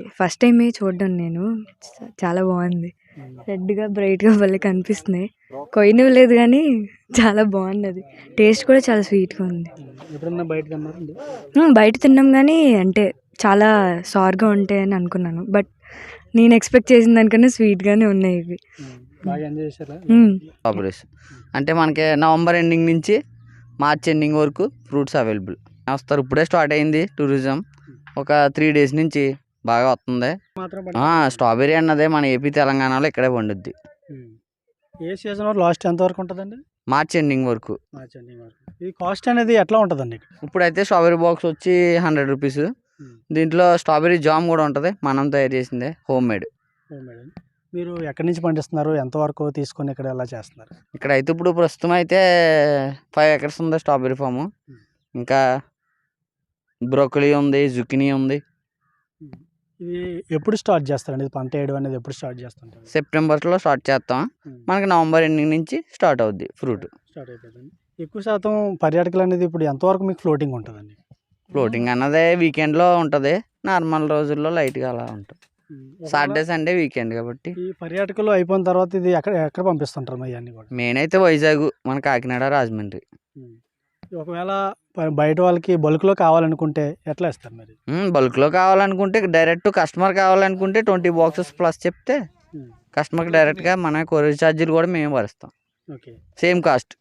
First టైమే చూడడం నేను. చాలా బాగుంది. రెడ్గా బ్రైట్గా భలే కనిపిస్తున్నాయి. కొయ్యనివి లేదు కానీ చాలా బాగున్నది. టేస్ట్ కూడా చాలా స్వీట్గా ఉంది. ఎప్పుడన్నా బయట తిన్నారండి? బయట తిన్నాం కానీ అంటే చాలా సార్గా ఉంటాయని అనుకున్నాను. బట్ నేను ఎక్స్పెక్ట్ చేసిన దానికన్నా స్వీట్గానే ఉన్నాయి ఇవి. బాగా ఎంజాయ్ చేశారా? స్ట్రాబెరీస్ అంటే మనకి నవంబర్ ఎండింగ్ నుంచి మార్చ్ ఎండింగ్ వరకు ఫ్రూట్స్ అవైలబుల్ వస్తారు. ఇప్పుడే స్టార్ట్ అయింది టూరిజం. ఒక 3 days నుంచి బాగా వస్తుంది. స్ట్రాబెరీ అన్నదే మన ఏపీ తెలంగాణలో ఇక్కడే పండుద్ది. ఏ సీజన్ లాస్ట్ ఎంత వరకు ఉంటుందండి? మార్చ్ ఎండింగ్ వరకు. మార్చ్ ఎండింగ్ వరకు. ఈ కాస్ట్ అనేది ఎట్లా ఉంటుందండి? ఇప్పుడైతే స్ట్రాబెరీ బాక్స్ వచ్చి 100 రూపీస్. దీంట్లో స్ట్రాబెరీ జామ్ కూడా ఉంటుంది, మనం తయారు చేసిందే, హోమ్ మేడ్. మీరు ఎక్కడి నుంచి పండిస్తున్నారు? ఎంతవరకు తీసుకొని ఇక్కడ ఎలా చేస్తున్నారు? ఇక్కడ అయితే ఇప్పుడు ప్రస్తుతం అయితే 5 acres ఉంది స్ట్రాబెరీ ఫాము. ఇంకా బ్రోకలీ ఉంది, జుకినీ ఉంది. ఇది ఎప్పుడు స్టార్ట్ చేస్తారండి? ఇది పంట వేయడం అనేది ఎప్పుడు స్టార్ట్ చేస్తుంటారు? సెప్టెంబర్లో స్టార్ట్ చేస్తాం. మనకి నవంబర్ ఎండింగ్ నుంచి స్టార్ట్ అవుద్ది ఫ్రూట్. స్టార్ట్ అయిపోతుంది. ఎక్కువ శాతం పర్యాటకులు అనేది ఇప్పుడు ఎంతవరకు మీకు ఫ్లోటింగ్ ఉంటుందండి? ఫ్లోటింగ్ అన్నదే వీకెండ్లో ఉంటుంది, నార్మల్ రోజుల్లో లైట్గా అలా ఉంటుంది. సాటర్డే సండే వీకెండ్ కాబట్టి. ఈ పర్యాటకులు అయిపోయిన తర్వాత ఇది ఎక్కడ పంపిస్తుంటారు మరి అన్నీ కూడా? మెయిన్ అయితే వైజాగ్, మన కాకినాడ, రాజమండ్రి. ఒకవేళ బయట వాళ్ళకి బల్క్లో కావాలనుకుంటే ఎట్లా ఇస్తారు మరి? బల్క్లో కావాలనుకుంటే డైరెక్ట్ కస్టమర్ కావాలనుకుంటే 20 boxes ప్లస్ చెప్తే కస్టమర్కి డైరెక్ట్గా మన కొరియర్ ఛార్జీలు కూడా మేము భరిస్తాం. Okay, same cost.